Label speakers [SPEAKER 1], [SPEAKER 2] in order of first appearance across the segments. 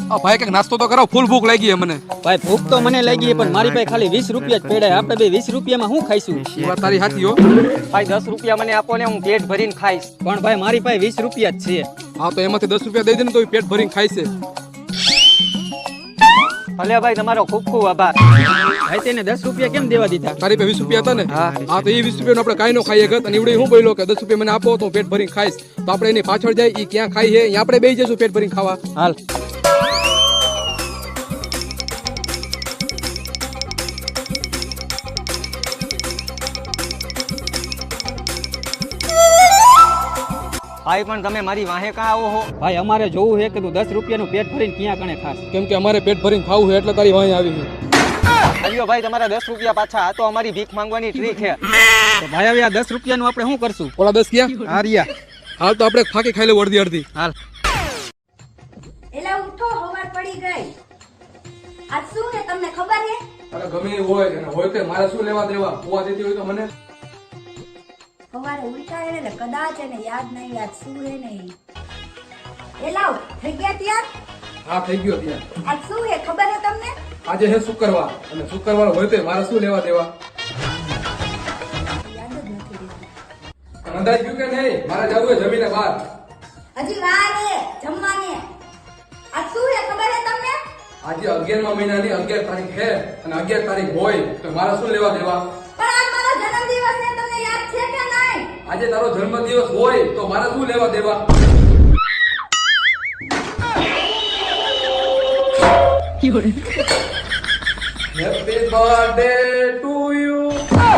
[SPEAKER 1] આ ભાઈ કઈક નાસ્તો તો કરો, ફૂલ ભૂખ લાગી છે મને.
[SPEAKER 2] ભાઈ ભૂખ તો મને લાગી પણ મારી પાસે ખાલી 20 રૂપિયા જ પડ્યા. આપણે બે 20 રૂપિયામાં શું ખાઈશું?
[SPEAKER 1] એ વાત તારી સાચી હો.
[SPEAKER 2] ભાઈ 10 રૂપિયા મને આપો ને, હું પેટ ભરીને ખાઈશ. પણ ભાઈ મારી પાસે 20 રૂપિયા જ છે.
[SPEAKER 1] હા તો એમાંથી 10 રૂપિયા દઈ દે ને તો પેટ ભરીને ખાય છે.
[SPEAKER 2] ભલે ભાઈ તમારો ખૂબ ખૂબ આભાર. ભાઈ તેને 10 રૂપિયા કેમ દેવા દીધા?
[SPEAKER 1] તારી પાસે 20 રૂપિયા હતા ને? હા તો એ 20 રૂપિયા આપણે કાઈ નો ખાઈએ ગત. અને એવડે હું બોલ્યો કે 10 રૂપિયા મને આપો તો હું પેટ ભરીને ખાઈશ. તો આપણે એની પાછળ જાય, એ ક્યાં ખાઈ છે અહીંયા આપણે બેસી જઈશું પેટ ભરીને ખાવા.
[SPEAKER 2] હાલ. ભાઈ પણ તમે મારી વાહે કાં આવો હો? ભાઈ અમારે જોવું છે કે તું 10 રૂપિયાનું પેટ ભરીને ક્યાં કણે ખાસ.
[SPEAKER 1] કેમ કે અમારે પેટ ભરીને ખાવું છે એટલે તારી વાંહે આવી છે.
[SPEAKER 2] અલ્યો ભાઈ તમારા 10 રૂપિયા પાછા. આ તો અમારી ભીખ માંગવાની ટ્રીક છે. તો ભાઈ હવે આ 10 રૂપિયાનું આપણે શું કરશું?
[SPEAKER 1] ઓલા 10 ક્યાં?
[SPEAKER 2] હારિયા.
[SPEAKER 1] હાલ તો આપણે ફાકી ખાઈ લેવું અડધી અડધી.
[SPEAKER 2] હાલ.
[SPEAKER 3] એલા ઉઠો, હવાર પડી ગઈ. આજ શું છે તમને ખબર છે?
[SPEAKER 1] અરે ગમે એ હોય અને હોય તે મારે શું લેવા દેવા? હોવા દેતી હોય તો મને.
[SPEAKER 3] સવારે ઉઠાય એટલે કદાચ એને યાદ નહીં, આજ શું છે નહીં. એલા થઈ ગયા ત્યાર?
[SPEAKER 1] હા થઈ ગયો ત્યાં.
[SPEAKER 3] આજ શું છે ખબર છે તમને?
[SPEAKER 1] આજે છે શુક્રવાર અને શુક્રવાર હોય તો મારે શું લેવા દેવા?
[SPEAKER 3] યાદ જ નથી રહેતું.
[SPEAKER 1] અંદાજ ગયું કે નહીં? મારે જવું હોય જમીને બહાર.
[SPEAKER 3] હજી વાર છે જમવાને. આજ શું છે ખબર છે તમને?
[SPEAKER 1] આજે 11મા મહિનાની 11 તારીખ છે અને 11 તારીખ હોય તો મારે શું લેવા દેવા?
[SPEAKER 3] પણ આજ મારો જન્મદિવસ છે, તમને યાદ છે કે નહીં?
[SPEAKER 1] આજે તારો જન્મદિવસ હોય તો મારે શું લેવા દેવા? Happy birthday to you.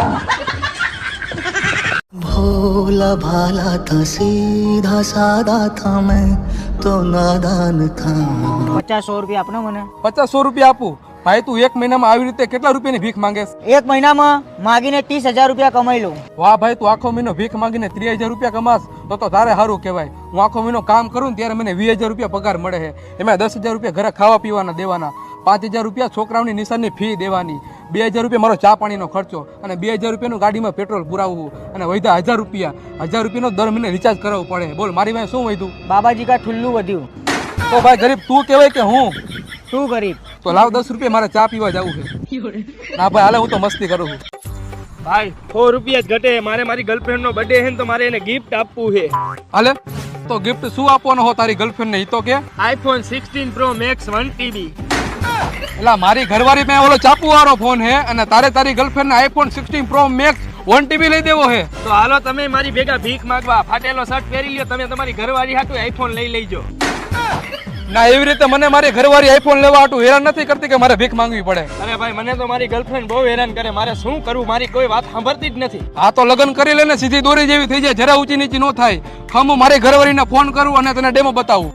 [SPEAKER 4] भोला भाला था सीधा सादा था मैं तो नादान था.
[SPEAKER 2] 50-100 રૂપિયા આપનો મને.
[SPEAKER 1] 50-100 રૂપિયા આપું? ભાઈ તું એક મહિનામાં આવી રીતે કેટલા રૂપિયાની ભીખ માંગે?
[SPEAKER 2] એક મહિનામાં માગીને 30,000 રૂપિયા કમાઈ લઉં.
[SPEAKER 1] વાહ ભાઈ, તું આખો મહિનો ભીખ માંગીને 30,000 રૂપિયા કમાસ તો તારે સારું કહેવાય. હું આખો મહિનો કામ કરું ને ત્યારે મને 20,000 રૂપિયા પગાર મળે છે. એમાં 10,000 રૂપિયા ઘરે ખાવા પીવાના દેવાના, 5,000 રૂપિયા છોકરાઓની નિશાનની ફી દેવાની, 2,000 રૂપિયા મારો ચા પાણીનો ખર્ચો અને 2,000 રૂપિયાનું ગાડીમાં પેટ્રોલ પુરાવવું અને વધ્યા 1,000 રૂપિયા. 1,000 રૂપિયાનો દર મહિને રિચાર્જ કરાવવું પડે. બોલ મારી પાસે શું વધ્યું?
[SPEAKER 2] બાબાજી કા ઠુલ્લું વધ્યું.
[SPEAKER 1] તો ભાઈ ગરીબ તું કહેવાય કે હું?
[SPEAKER 2] શું ગરીબ?
[SPEAKER 1] તો લાવ 10 રૂપિયા, મારે ચા પીવા જવું છે. ના ભાઈ હાલે, હું તો મસ્તી કરું છું.
[SPEAKER 5] ભાઈ 100 રૂપિયા જ ઘટે. મારે મારી ગર્લફ્રેન્ડ નો બર્થડે છે ને તો મારે એને ગિફ્ટ આપવું છે.
[SPEAKER 1] હાલે તો ગિફ્ટ શું આપવાનો હો તારી ગર્લફ્રેન્ડ ને? ઈ તો કે
[SPEAKER 5] iPhone 16 Pro Max 1 TB.
[SPEAKER 1] એટલે મારી ઘરવાળી મેં ઓલો ચાપુ વાળો ફોન હે અને તારી ગર્લફ્રેન્ડ ને iPhone 16 Pro Max 1 TB લઈ દેવો હે.
[SPEAKER 5] તો હાલો તમે મારી ભેગા ભીખ માંગવા. ફાટેલો શર્ટ પહેરી લ્યો તમે, તમારી ઘરવાળી હાટુ iPhone લઈ લેજો.
[SPEAKER 1] ના એવી રીતે મને મારી ઘરવાળી iPhone લેવા હાટુ હેરાન નથી કરતી કે મારે ભીખ માંગવી પડે.
[SPEAKER 5] અરે ભાઈ મને તો મારી ગર્લફ્રેન્ડ બહુ હેરાન કરે. મારે શું કરવું? મારી કોઈ વાત સાંભળતી જ નથી.
[SPEAKER 1] આ તો લગ્ન કરી લે ને સીધી દોરી જેવી થઈ જાય, જરા ઊંચી નીચી ન થાય. હું મારી ઘરવાળીને ફોન કરું અને તને ડેમો બતાવું.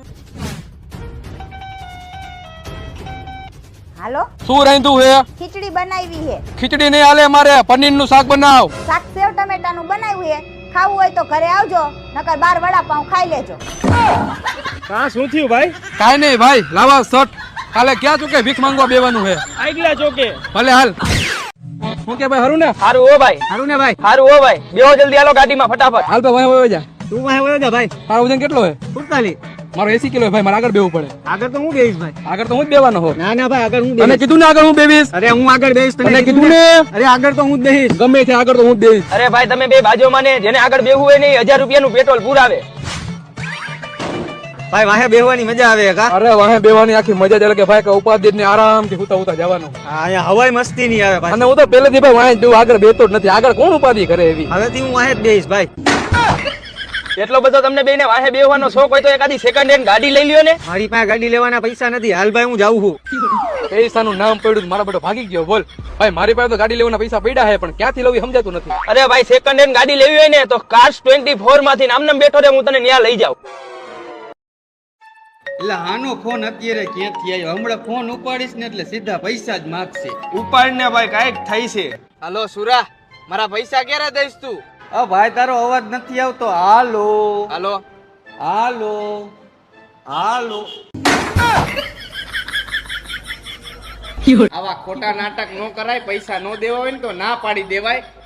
[SPEAKER 3] હાલો,
[SPEAKER 1] શું રાંધું હે?
[SPEAKER 3] ખીચડી બનાવી છે.
[SPEAKER 1] ખીચડી નહીં હાલે, મારે પનીરનું શાક બનાવ.
[SPEAKER 3] શાક સેવ ટમેટાનું બનાવ્યું છે. ખાવું હોય તો ઘરે આવજો, નકર બાર વડાપાઉં ખાઈ લેજો.
[SPEAKER 5] કાં શું થયું ભાઈ?
[SPEAKER 1] કાઈ નહીં ભાઈ, લાવા શર્ટ. કાલે ક્યાં ચૂકે ભીખ માંગવા બેવાનું હે?
[SPEAKER 5] આગલા ચોકે.
[SPEAKER 1] ભલે હાલ. હું કે ભાઈ હરું ને?
[SPEAKER 5] હારું હો ભાઈ.
[SPEAKER 2] સારું ને ભાઈ?
[SPEAKER 5] હારું હો ભાઈ. બેહો જલ્દી હાલો ગાડીમાં ફટાફટ.
[SPEAKER 1] હાલ ભાઈ હોય જા.
[SPEAKER 2] તું વાહે વયો જા ભાઈ.
[SPEAKER 1] તારો વજન કેટલો હે?
[SPEAKER 2] 45.
[SPEAKER 1] મારો 80 કિલો ભાઈ, મારે આગળ બેવું પડે.
[SPEAKER 2] આગળ તો હું બેહીશ ભાઈ.
[SPEAKER 1] આગળ તો હું જ બેવાનો હો.
[SPEAKER 2] ના ના ભાઈ આગળ હું
[SPEAKER 1] તને
[SPEAKER 2] બેહીશ.
[SPEAKER 1] કીધું ને આગળ હું બેવીશ.
[SPEAKER 2] અરે હું આગળ બેહીશ.
[SPEAKER 1] તને કીધું ને.
[SPEAKER 2] અરે આગળ તો હું જ બેહીશ.
[SPEAKER 1] ગમે છે આગળ તો હું જ બેવીશ.
[SPEAKER 5] અરે ભાઈ તમે બે બાજુમાં ને જેને આગળ બેહવું હોય ને 1,000 રૂપિયાનું પેટ્રોલ પુરાવે.
[SPEAKER 2] ભાઈ વાહે બેહવાની મજા આવે કા?
[SPEAKER 1] અરે વાહે બેવાની આખી મજા જ અલગ કે ભાઈ કે ઉપાધિ ને આરામથી હુતા જવાનું.
[SPEAKER 2] હા અહીંયા હવાઈ મસ્તી નહીં આવે ભાઈ.
[SPEAKER 1] અને હું તો પહેલેથી ભાઈ વાહે બેવું, આગળ બેતો જ નથી. આગળ કોણ ઉપાધિ કરે એવી?
[SPEAKER 2] હવેથી હું વાહે જ બેહીશ ભાઈ.
[SPEAKER 5] એટલો બધો તમને બેને વાહે બેહવાનો શોખ હોય તો એકાદી સેકન્ડ હેન્ડ ગાડી લઈ લ્યો ને.
[SPEAKER 2] મારી પાસે ગાડી લેવાના પૈસા નથી. હાલ ભાઈ હું જાઉં છું.
[SPEAKER 1] પૈસાનું નામ પડ્યું મારા બેટો ભાગી ગયો. બોલ ભાઈ, મારી પાસે તો ગાડી લેવાના પૈસા પડ્યા છે પણ ક્યાંથી લેવી સમજાતું નથી.
[SPEAKER 5] અરે ભાઈ સેકન્ડ હેન્ડ ગાડી લેવી હોય ને તો કાર્સ 24 માંથી નામ બેઠો રે, હું તને ન્યા લઈ જાઉં.
[SPEAKER 2] એટલે આનો ફોન અત્યારે ક્યાંથી આવ્યો? હમણાં ફોન ઉપાડીશ ને એટલે સીધા પૈસા જ માગશે.
[SPEAKER 5] ઉપાડ ને ભાઈ કાંઈક થઈ છે.
[SPEAKER 2] હાલો સુરા, મારા પૈસા ક્યારે દઈશ તું? ભાઈ તારો અવાજ નથી આવતો. હાલો
[SPEAKER 5] હાલો
[SPEAKER 2] હાલો હાલો.
[SPEAKER 5] આવા ખોટા નાટક નો કરાય. પૈસા નો દેવા હોય ને તો ના પાડી દેવાય.